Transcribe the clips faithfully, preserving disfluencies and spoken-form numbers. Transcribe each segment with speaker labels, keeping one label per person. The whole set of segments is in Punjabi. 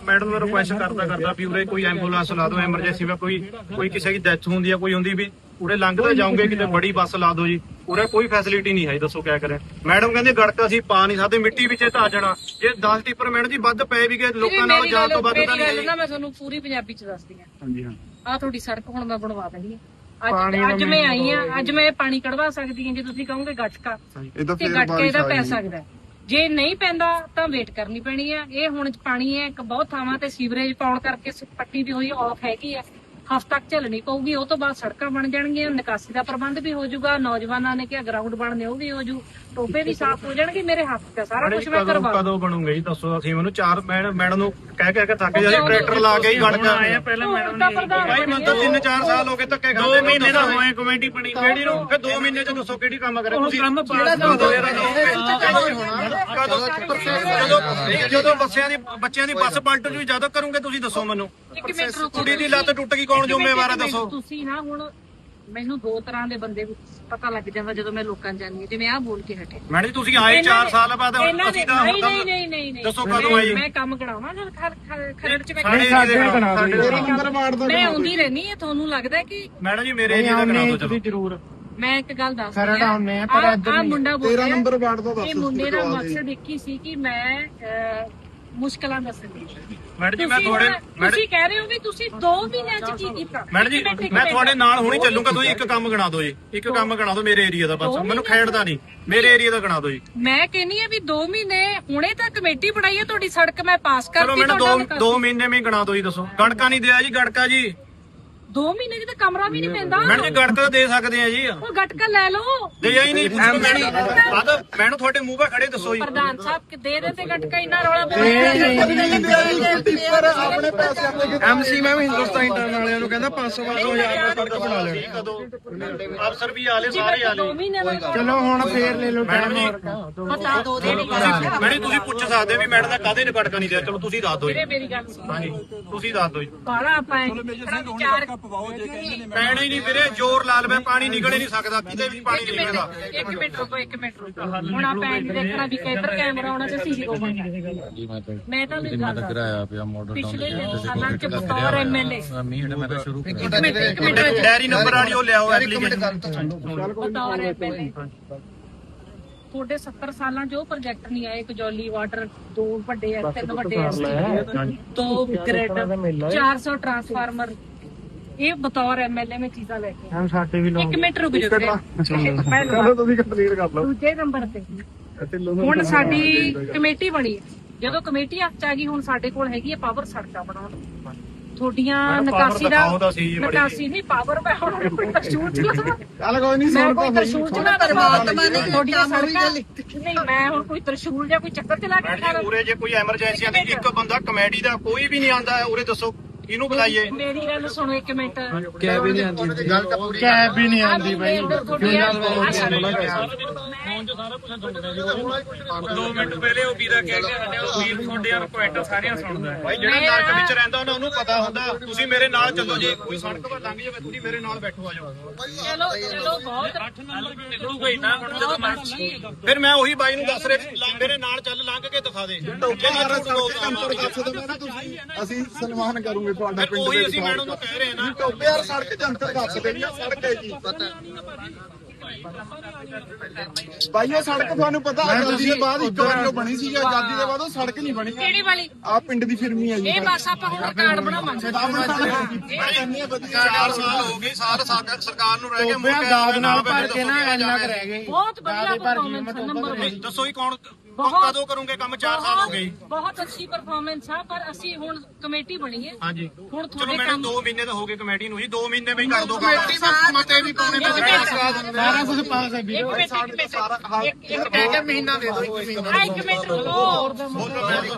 Speaker 1: मैडम ਨੂੰ ਰਿਕੁਐਸਟ ਕਰਦਾ ਕਰਦਾ ਵੀ ਉਰੇ ਕੋਈ ਐਂਬੂਲੈਂਸ ਲਾ ਦਿਓ ਐਮਰਜੈਂਸੀ ਵਿੱਚ ਕੋਈ ਕੋਈ ਕਿਸੇ ਦੀ ਡੈਥ ਹੁੰਦੀ ਹੈ ਕੋਈ ਹੁੰਦੀ ਵੀ ਉਰੇ ਲੰਘਦੇ ਜਾਓਗੇ ਕਿਤੇ ਬੜੀ ਬੱਸ ਲਾ ਦਿਓ ਜੀ ਉਰੇ ਕੋਈ ਫੈਸਿਲਿਟੀ ਨਹੀਂ ਹੈ ਦੱਸੋ ਕਿਆ ਕਰੇ ਮੈਡਮ ਕਹਿੰਦੇ ਗੜਕਾ ਅਸੀਂ ਪਾ ਨਹੀਂ ਸਕਦੇ ਮਿੱਟੀ ਵਿੱਚ ਧਾ ਜਾਣਾ ਜੇ ਦਸ ਟਿੱਪਰ ਮੈਡਮ ਜੀ ਵੱਧ ਪਏ ਵੀ ਗਏ ਲੋਕਾਂ ਨਾਲ ਜਾਣ ਤੋਂ ਵੱਧ ਤਾਂ ਨਹੀਂ
Speaker 2: ਨਾ ਮੈਂ ਤੁਹਾਨੂੰ ਪੂਰੀ ਪੰਜਾਬੀ ਚ ਦੱਸਦੀ ਹਾਂ
Speaker 1: ਹਾਂਜੀ ਹਾਂ
Speaker 2: ਆਹ ਤੁਹਾਡੀ ਸੜਕ ਹੁਣ ਮੈਂ ਬਣਵਾ ਦੇਣੀ ਹੈ ਅੱਜ ਅੱਜ ਮੈਂ ਆਈ ਆ ਅੱਜ ਮੈਂ ਪਾਣੀ ਕਢਵਾ ਸਕਦੀ ਹਾਂ ਜੇ ਤੁਸੀਂ ਕਹੋਗੇ ਗਟਕਾ ਤੇ ਗਟਕੇ ਇਹਦਾ ਪੈ ਸਕਦਾ ਜੇ ਨਹੀਂ ਪੈਂਦਾ ਤਾਂ ਵੇਟ ਕਰਨੀ ਪੈਣੀ ਆ ਇਹ ਹੁਣ ਪਾਣੀ ਹੈ ਇੱਕ ਬਹੁਤ ਥਾਵਾਂ ਤੇ ਸੀਵਰੇਜ ਪਾਉਣ ਕਰਕੇ ਪੱਟੀ ਦੀ ਹੋਈ ਆਫ ਹੈਗੀ ਆ ਹਫ਼ਤਾ ਤੱਕ ਝੱਲਣੀ ਪਊਗੀ ਉਹ ਤੋਂ ਬਾਅਦ ਸੜਕਾਂ ਬਣ ਜਾਣਗੀਆਂ ਨਿਕਾਸੀ ਦਾ ਪ੍ਰਬੰਧ ਵੀ ਹੋ ਜਾਊਗਾ ਨੌਜਵਾਨਾਂ ਨੇ ਕਿਹਾ ਗਰਾਊਂਡ ਬਣਨੇ ਉਹ ਵੀ ਹੋ ਜੂ ਟੋਪੇ ਵੀ ਸਾਫ਼ ਹੋ ਜਾਣਗੇ ਮੇਰੇ ਹੱਥ ਤੇ ਸਾਰਾ ਕੁਝ ਮੈਂ ਕਰਵਾ
Speaker 1: ਕਦੋਂ ਬਣੂਗਾ ਜੀ ਦੱਸੋ ਅਸੀਂ ਮੈਨੂੰ ਚਾਰ ਮੈਡਮ ਨੂੰ ਕਹਿ ਕਹਿ ਕੇ ਥੱਕ ਜਾਈ ਟਰੈਕਟਰ ਲਾ ਕੇ ਹੀ ਗੜਕਾ ਆਏ ਪਹਿਲਾਂ ਮੈਡਮ ਭਾਈ ਮੈਨੂੰ ਤਾਂ ਤਿੰਨ ਚਾਰ ਸਾਲ ਹੋ ਗਏ ਧੱਕੇ ਖਾਂਦੇ ਦੋ ਮਹੀਨੇ ਦਾ ਹੋਏ ਕਮੇਟੀ ਬਣੀ ਕਿਹੜੀ ਨੂੰ ਫਿਰ ਦੋ ਮਹੀਨੇ ਚ ਦੱਸੋ ਕਿਹੜੀ ਕੰਮ ਕਰੇ ਤੁਸੀਂ ਕੰਮ ਜਦੋਂ ਜਦੋਂ ਬੱਸਿਆਂ ਦੀ ਬੱਚਿਆਂ ਦੀ ਬੱਸ ਪਲਟ ਜੂ ਜਦੋਂ ਕਰੋਗੇ ਤੁਸੀਂ ਦੱਸੋ ਮੈਨੂੰ ਕੁੜੀ ਦੀ ਲੱਤ ਟੁੱਟ ਗਈ ਕੌਣ ਜ਼ਿੰਮੇਵਾਰ ਹੈ ਦੱਸੋ
Speaker 2: ਤੁਸੀਂ ਨਾ ਹੁਣ ਮੈਨੂੰ ਦੋ ਤਰ੍ਹਾਂ ਦੇ ਬੰਦੇ ਪਤਾ ਲੱਗ ਜਾਂਦਾ ਜਦੋਂ ਮੈਂ ਲੋਕਾਂ ਜਾਣੀ ਹਾਂ ਜਿਵੇਂ ਆਹ ਬੋਲ ਕੇ ਹਟੇ
Speaker 1: ਮੈਡਮ ਜੀ ਤੁਸੀਂ ਆਏ ਚਾਰ ਸਾਲ ਬਾਅਦ ਅਸੀਂ ਤਾਂ
Speaker 2: ਨਹੀਂ ਨਹੀਂ ਨਹੀਂ ਨਹੀਂ
Speaker 1: ਦੱਸੋ ਕਦੋਂ ਆਈ
Speaker 2: ਮੈਂ ਕੰਮ ਕਰਾਉਣਾ ਜਦ ਖਰੜ ਚ
Speaker 1: ਮੈਂ
Speaker 2: ਮੈਂ ਆਉਂਦੀ ਰਹਿਣੀ ਹੈ ਤੁਹਾਨੂੰ ਲੱਗਦਾ ਕਿ
Speaker 1: ਮੈਡਮ ਜੀ ਮੇਰੇ ਏਰੀਆ ਦਾ ਕਰਾ ਦਿਓ ਚਲੋ
Speaker 3: ਜ਼ਰੂਰ
Speaker 2: ਮੈਂ ਇੱਕ ਗੱਲ ਦੱਸਦੀ ਹਾਂ ਆ ਮੁੰਡਾ ਬੋਲ ਰਿਹਾ
Speaker 3: ਨੰਬਰ ਵਾਰਡ ਦਾ ਦੱਸ
Speaker 2: ਇਹ ਮੁੰਡੇ ਦਾ ਮਕਸਦ ਇੱਕ ਹੀ ਸੀ ਕਿ ਮੈਂ ਮੁਸ਼ਕਲਾਂ ਦੱਸਣੀ
Speaker 1: ਮੈਡਮ ਜੀ ਮੈਂ ਤੁਹਾਡੇ
Speaker 2: ਤੁਸੀਂ ਕਹਿ ਰਹੇ ਹੋ ਵੀ ਤੁਸੀਂ ਦੋ ਮਹੀਨਿਆਂ ਚ ਕੀ ਕੀਤਾ
Speaker 1: ਮੈਡਮ ਜੀ ਮੈਂ ਤੁਹਾਡੇ ਨਾਲ ਹੁਣੀ ਚੱਲੂਗਾ ਤੁਸੀਂ ਇੱਕ ਕੰਮ ਗਣਾ ਦਿਓ ਜੀ ਇੱਕ ਕੰਮ ਗਣਾ ਦਿਓ ਮੇਰੇ ਏਰੀਆ ਦਾ ਬਸ ਮੈਨੂੰ ਖੇਡਦਾ ਨਹੀਂ ਮੇਰੇ ਏਰੀਆ ਦਾ ਗਣਾ ਦਿਓ ਜੀ
Speaker 2: ਮੈਂ ਕਹਿੰਨੀ ਆ ਵੀ ਦੋ ਮਹੀਨੇ ਹੁਣੇ ਤਾਂ ਕਮੇਟੀ ਬਣਾਈ ਹੈ ਤੁਹਾਡੀ ਸੜਕ ਮੈਂ ਪਾਸ ਕਰਤੀ
Speaker 1: ਮੈਨੂੰ ਦੋ ਦੋ ਮਹੀਨੇ ਵਿੱਚ ਗਣਾ ਦਿਓ ਜੀ ਦੱਸੋ ਗੜਕਾ ਨਹੀਂ ਦਿਆ ਜੀ ਗੜਕਾ ਜੀ
Speaker 2: ਦੋ ਮਹੀਨੇ ਚ ਤਾਂ ਕਮਰਾ ਵੀ ਨਹੀਂ ਪੈਂਦਾ
Speaker 1: ਮੈਡਮ ਜੀ ਗੜਕਾ ਦੇ ਸਕਦੇ ਆ ਜੀ
Speaker 2: ਉਹ ਗਟਕਾ ਲੈ ਲਓ
Speaker 1: ਦੇ ਹੀ ਨਹੀਂ ਮੈਨੂੰ ਤੁਹਾਡੇ ਮੂੰਹ 'ਤੇ ਖੜੇ ਦੱਸੋ ਜੀ
Speaker 2: ਪ੍ਰਧਾਨ ਸਾਹਿਬ ਕਿ ਦੇ ਦੇ ਤੇ ਗਟਕਾ ਇੰਨਾ ਰੌਲਾ
Speaker 3: ਆਪਣੇ ਪੈਸੇ
Speaker 1: ਐਮਸੀ ਮੈਂ ਵੀ ਹਿੰਦੁਸਤਾਨ ਇੰਟਰਨ ਵਾਲਿਆਂ ਨੂੰ ਕਹਿੰਦਾ ਪੰਜ ਸੌ ਪੰਜ ਸੌ ਹਜ਼ਾਰ ਰੁਪਏ ਸੜਕ ਬਣਾ ਲੈਣੀ ਕਦੋਂ ਅਫਸਰ ਵੀ ਆਲੇ ਸਾਰੇ ਆਲੇ
Speaker 3: ਚਲੋ ਹੁਣ ਫੇਰ ਲੈ ਲਓ
Speaker 1: ਮੈਡਮ ਜੀ
Speaker 2: ਪਤਾ ਦੋ ਦੇ
Speaker 1: ਮੈਡਮ ਤੁਸੀਂ ਪੁੱਛ ਸਕਦੇ ਵੀ ਮੈਡਮ ਦਾ ਕਾਹਦੇ ਨੇ ਗੜਕਾ ਨਹੀਂ ਦਿਆ ਚਲੋ ਤੁਸੀਂ ਦੱਸ ਦਿਓ ਜੀ
Speaker 2: ਮੇਰੀ ਗੱਲ ਸੁਣੋ
Speaker 1: ਹਾਂਜੀ ਤੁਸੀਂ ਦੱਸ ਦਿਓ ਜੀ
Speaker 2: ਬਾਲਾ ਪਾਏ ਚਾਰ
Speaker 1: ਪੈਣਾ ਹੀ ਨਹੀਂ ਵੀਰੇ ਜ਼ੋਰ ਲਾ ਲਵੇ ਪਾਣੀ ਨਿਕਲ ਨਹੀਂ ਸਕਦਾ ਕਿਤੇ ਵੀ ਪਾਣੀ ਨਹੀਂ ਨਿਕਲਦਾ
Speaker 2: ਇੱਕ ਮਿੰਟ ਰੁਕੋ ਇੱਕ ਮਿੰਟ ਰੁਕੋ ਹੁਣ ਆਪਾਂ ਇਹ ਦੇਖਣਾ ਵੀ ਕਿੱਧਰ ਕੈਮਰਾ ਆਉਣਾ ਤੇ ਸੀਸੀ ਰੋਵਾਂਗੇ ਮੈਂ ਤਾਂ ਨਹੀਂ ਗੱਲ ਕਰਾਇਆ ਪਿਆ ਮਾਡਲ ਪਿਛਲੇ ਸਾਲਾਂ ਚ ਬਤੌਰ ਐਮਐਲਏ
Speaker 4: ਮੈਂ ਤਾਂ ਸ਼ੁਰੂ
Speaker 2: ਇੱਕ ਮਿੰਟ ਇੱਕ ਮਿੰਟ
Speaker 1: ਡੈਰੀ ਨੰਬਰ ਵਾਲੀ ਉਹ ਲਿਆਓ ਐਪਲੀਕੇਸ਼ਨ
Speaker 2: ਬਤੌਰ ਐਮਐਲਏ ਤੁਹਾਡੇ ਸੱਤਰ ਸਾਲਾਂ ਚ ਉਹ ਪ੍ਰੋਜੈਕਟ ਨਹੀਂ ਆਏ ਕਜੌਲੀ ਵਾਟਰ ਦੋ ਵੱਡੇ ਐ ਤਿੰਨ ਵੱਡੇ ਐ ਦੋ ਗ੍ਰਿਡ ਚਾਰ ਸੌ ਟਰਾਂਸਫਾਰਮਰ ਇਹ ਬਤੌਰ ਐਮਐਲਏ ਮੈਂ ਚੀਜ਼ਾਂ ਲੈ ਕੇ
Speaker 3: ਹਮ ਸਾਡੇ ਵੀ
Speaker 2: ਇੱਕ ਮਿੰਟ ਰੁਕ ਜਾਓ
Speaker 3: ਚਲੋ ਤੁਸੀਂ ਕੰਪਲੀਟ ਕਰ ਲਓ
Speaker 2: ਦੂਜੇ ਨੰਬਰ ਤੇ ਹੁਣ ਸਾਡੀ ਕਮੇਟੀ ਬਣੀ ਹੈ ਜਦੋਂ ਕਮੇਟੀ ਹੱਥ ਚ ਆ ਗਈ ਹੁਣ ਸਾਡੇ ਕੋਲ ਹੈਗੀ ਹੈ ਪਾਵਰ ਸੜਕਾਂ ਬਣਾਉਣ ਤੁਹਾਡੀਆਂ ਨਿਕਾਸੀ ਦਾ ਨਿਕਾਸੀ ਨਹੀਂ ਪਾਵਰ ਮੈਂ ਹੁਣ ਕੋਈ ਤਰਸ਼ੂਲ ਚਲਾ
Speaker 3: ਚੱਲ ਕੋਈ ਨਹੀਂ
Speaker 2: ਮੈਂ ਕੋਈ ਤਰਸ਼ੂਲ ਚਲਾ ਪਰਮਾਤਮਾ ਨੇ ਤੁਹਾਡੀਆਂ ਸੜਕਾਂ ਨਹੀਂ ਮੈਂ ਹੁਣ ਕੋਈ ਤਰਸ਼ੂਲ ਜਾਂ ਕੋਈ ਚੱਕਰ ਚਲਾ ਕੇ ਖਾ
Speaker 1: ਉਰੇ ਜੇ ਕੋਈ ਐਮਰਜੈਂਸੀ ਆਂਦੀ ਇੱਕ ਬੰਦਾ ਕਮੇਡੀ ਦਾ ਕੋਈ ਵੀ ਨਹੀਂ ਆਂਦਾ ਉਰੇ ਦੱਸੋ ਇਹਨੂੰ ਬੁਲਾਈਏ
Speaker 2: ਮੇਰੀ ਗੱਲ ਸੁਣੋ ਇੱਕ ਮਿੰਟ
Speaker 3: ਕੈਬ ਵੀ ਨਹੀਂ ਆਉਂਦੀ ਕੈਬ ਵੀ ਨਹੀਂ ਆਉਂਦੀ ਬਾਈ
Speaker 1: ਦੋ ਮਿੰਟ ਪਹਿਲੇ ਉਹ ਵੀਰਾ ਕਹਿ ਕੇ ਹਟਿਆ ਉਹ ਵੀਰ ਤੁਹਾਡੇ ਯਾਰ ਕੁਐਂਟਲ ਸਾਰੀਆਂ ਸੁਣਦਾ ਭਾਈ ਜਿਹੜਾ ਨਰਕ ਵਿੱਚ ਰਹਿੰਦਾ ਉਹਨਾਂ ਨੂੰ ਪਤਾ ਹੁੰਦਾ ਤੁਸੀਂ ਮੇਰੇ ਨਾਲ ਚੱਲੋ ਜੇ ਕੋਈ ਸੜਕ 'ਤੇ ਲੰਘ ਜਾਵੇ ਤੁਸੀਂ ਮੇਰੇ ਨਾਲ ਬੈਠੋ ਆ ਜਾਓ
Speaker 2: ਚਲੋ ਚਲੋ ਬਹੁਤ ਅੱਠ ਨੰਬਰ
Speaker 1: ਨਿਕਲੂਗਾ ਹੀ ਨਾ ਹੁਣ ਜਦੋਂ ਮਰਜ਼ੀ ਫਿਰ ਮੈਂ ਉਹੀ ਬਾਈ ਨੂੰ ਦੱਸ ਰਿਹਾ ਮੇਰੇ ਨਾਲ ਚੱਲ ਲੰਘ ਕੇ ਦਿਖਾ ਦੇ
Speaker 3: ਅਸੀਂ ਸਨਮਾਨ ਕਰੂਗੇ ਤੁਹਾਡਾ ਪਿੰਡ
Speaker 1: ਉਹੀ ਅਸੀਂ ਮੈਡਮ ਨੂੰ ਕਹਿ ਰਹੇ ਨਾ
Speaker 3: ਟੋਪੇ ਯਾਰ ਸੜਕ ਜੰਤਰ ਦੱਸ ਦੇਣੀ ਆ ਸੜਕ ਹੈ ਜੀ ਭਾਈ ਉਹ ਸੜਕ ਤੁਹਾਨੂੰ ਪਤਾ ਆਜ਼ਾਦੀ ਦੇ ਬਾਅਦ ਇੱਕ ਵਾਰ ਜੋ ਬਣੀ ਸੀ ਆਜ਼ਾਦੀ ਦੇ ਬਾਅਦ ਉਹ ਸੜਕ ਨਹੀਂ ਬਣੀ
Speaker 2: ਕਿਹੜੀ ਵਾਲੀ
Speaker 3: ਆ ਪਿੰਡ ਦੀ ਫਿਰਮੀ ਹੈ ਜੀ
Speaker 2: ਇਹ ਬਸ ਆਪਾਂ ਹੁਣ ਕਾਰਡ ਬਣਾਵਾਂਗੇ
Speaker 1: ਚਾਰ ਸਾਲ ਹੋ ਗਏ ਸਾਰ ਸਰਕਾਰ ਨੂੰ ਰਹਿ ਗਏ
Speaker 3: ਦਾਦ ਨਾਲ ਭਰ ਕੇ ਨਾ ਇੰਨਾ ਕੁ ਰਹਿ ਗਏ
Speaker 2: ਬਹੁਤ ਵਧੀਆ ਪਰਫਾਰਮੈਂਸ ਨੰਬਰ
Speaker 1: ਦੱਸੋ ਹੀ ਕੌਣ ਕਦੋਂ ਕਰੋਗੇ ਕੰਮ ਚਾਰ ਸਾਲ ਹੋ ਗਏ
Speaker 2: ਬਹੁਤ ਅੱਛੀ ਪਰਫਾਰਮੈਂਸ ਆ ਪਰ ਅਸੀਂ ਹੁਣ ਕਮੇਟੀ ਬਣੀ ਹੈ
Speaker 1: ਹਾਂਜੀ
Speaker 2: ਹੁਣ
Speaker 1: ਚਲੋ
Speaker 2: ਤੁਹਾਡੇ
Speaker 1: ਮੈਡਮ ਦੋ ਮਹੀਨੇ ਤਾਂ ਹੋ ਗਏ ਕਮੇਟੀ ਨੂੰ ਜੀ ਦੋ ਮਹੀਨੇ ਵਿੱਚ ਕਰ ਦੋ ਕਮੇਟੀ ਦਾ ਮਤੇ ਵੀ ਪਾਉਣੇ
Speaker 3: ਸਾਰਾ ਕੁਝ ਪਾਸ ਹੈ ਵੀਰ
Speaker 2: ਇੱਕ ਮਿੰਟ ਇੱਕ ਮਿੰਟ ਇੱਕ ਇੱਕ
Speaker 3: ਕਹਿ ਕੇ ਮਹੀਨਾ ਦੇ ਦੋ ਇੱਕ ਮਹੀਨਾ
Speaker 2: ਇੱਕ ਮਿੰਟ ਰੁਕੋ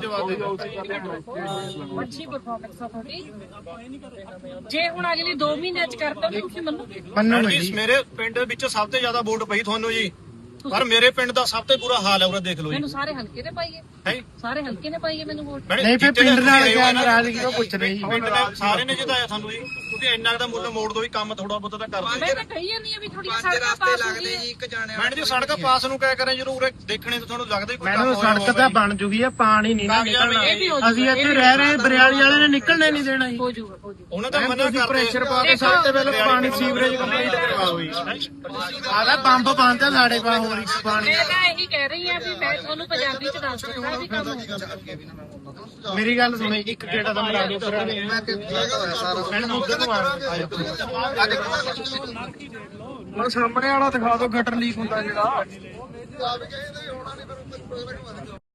Speaker 2: ਅੱਛੀ ਪਰਫਾਰਮੈਂਸ ਆ ਤੁਹਾਡੀ ਜੇ ਹੁਣ ਅਗਲੀ ਦੋ ਮਹੀਨਿਆਂ ਚ ਕਰਤਾ ਤੁਸੀਂ ਮੰਨੋਗੇ
Speaker 3: ਮੰਨੋ
Speaker 1: ਜੀ ਮੇਰੇ ਪਿੰਡ ਵਿੱਚ ਸਭ ਤੋਂ ਜ਼ਿਆਦਾ ਵੋਟ ਪਈ ਤੁਹਾਨੂੰ ਜੀ ਪਰ ਮੇਰੇ ਪਿੰਡ ਦਾ ਸਭ ਤੋਂ ਬੁਰਾ ਹਾਲ ਹੈ ਉਹ ਦੇਖ ਲਓ ਜੀ
Speaker 2: ਮੈਨੂੰ ਸਾਰੇ ਹਲਕੇ ਨੇ ਪਾਈਏ
Speaker 1: ਹੈ
Speaker 2: ਸਾਰੇ ਹਲਕੇ ਨੇ ਪਾਈਏ ਮੈਨੂੰ ਵੋਟ
Speaker 3: ਨਹੀਂ ਫਿਰ ਪਿੰਡ ਨਾਲ ਕਿਆ ਨਾਰਾਜ਼ਗੀ ਉਹ ਪੁੱਛ ਰਹੀ
Speaker 1: ਪਿੰਡ ਨੇ ਸਾਰੇ ਨੇ ਜਿਤਾਇਆ ਤੁਹਾਨੂੰ ਜੀ ਤੁਸੀਂ ਇੰਨਾ ਕੁ ਦਾ ਮੁੱਲ ਮੋੜ ਦੋ ਵੀ ਕੰਮ ਥੋੜਾ ਬਹੁਤਾ ਤਾਂ ਕਰ ਦਿਓ।
Speaker 2: ਮੈਂ ਤਾਂ ਕਹੀ ਜਾਂਦੀ ਆ ਵੀ ਥੋੜੀਆਂ ਸੜਕਾਂ ਪਾਸ ਹੋ ਗਈਆਂ
Speaker 4: ਇੱਕ ਜਾਣੇ
Speaker 1: ਮੈਡਮ ਜੀ ਸੜਕ ਪਾਸ ਨੂੰ ਕਹਿ ਕਰੇ ਜਦੋਂ ਉਰੇ ਦੇਖਣੇ ਤਾਂ ਤੁਹਾਨੂੰ ਲੱਗਦਾ ਹੀ ਕੋਈ
Speaker 5: ਮੈਨੂੰ ਸੜਕ ਤਾਂ ਬਣ ਜੂਗੀ ਆ, ਪਾਣੀ ਨਹੀਂ ਨਾ ਨਿਕਲਣਾ।
Speaker 2: ਇਹ ਵੀ ਹੋ ਜਾਊਗਾ,
Speaker 5: ਅਸੀਂ ਇੱਥੇ ਰਹਿ ਰਹੇ ਬਰਿਆਲੀ ਵਾਲੇ ਨੇ ਨਿਕਲਣੇ ਨਹੀਂ ਦੇਣਾ ਜੀ।
Speaker 2: ਹੋ ਜਾਊਗਾ ਹੋ ਜਾਊਗਾ
Speaker 1: ਉਹਨਾਂ ਦਾ ਮਨਾ ਕਰਦੇ
Speaker 5: ਪ੍ਰੈਸ਼ਰ ਪਾ ਕੇ ਸਭ ਤੋਂ ਪਹਿਲਾਂ ਪਾਣੀ ਸੀਵਰੇਜ ਕੰਪਲੀਟ ਕਰਵਾਓ ਜੀ। ਆਦਾ ਪੰਪ ਬੰਦ ਆ ਸਾਡੇ ਪਾ ਹੋਰ ਇੱਕ ਪਾਣੀ।
Speaker 2: ਮੈਂ ਤਾਂ ਇਹੀ ਕਹਿ ਰਹੀ ਆ ਵੀ ਮੈਂ ਤੁਹਾਨੂੰ ਪੰਜਾਬੀ ਚ ਦੱਸ ਦਿੱਤਾ ਵੀ ਕੰਮ ਹੋਊਗਾ।
Speaker 5: ਮੇਰੀ ਗੱਲ ਸੁਣੇ, ਇੱਕ ਗੇੜਾ ਦਾ ਮਰਾ ਦਿਓ ਫਿਰ ਮੈਡਮ ਉਧਰ ਨੂੰ ਆਇਓ। ਉਹ ਸਾਹਮਣੇ ਵਾਲਾ ਦਿਖਾ ਦਿਓ ਗਟਰ ਲੀਕ ਹੁੰਦਾ ਜਿਹੜਾ।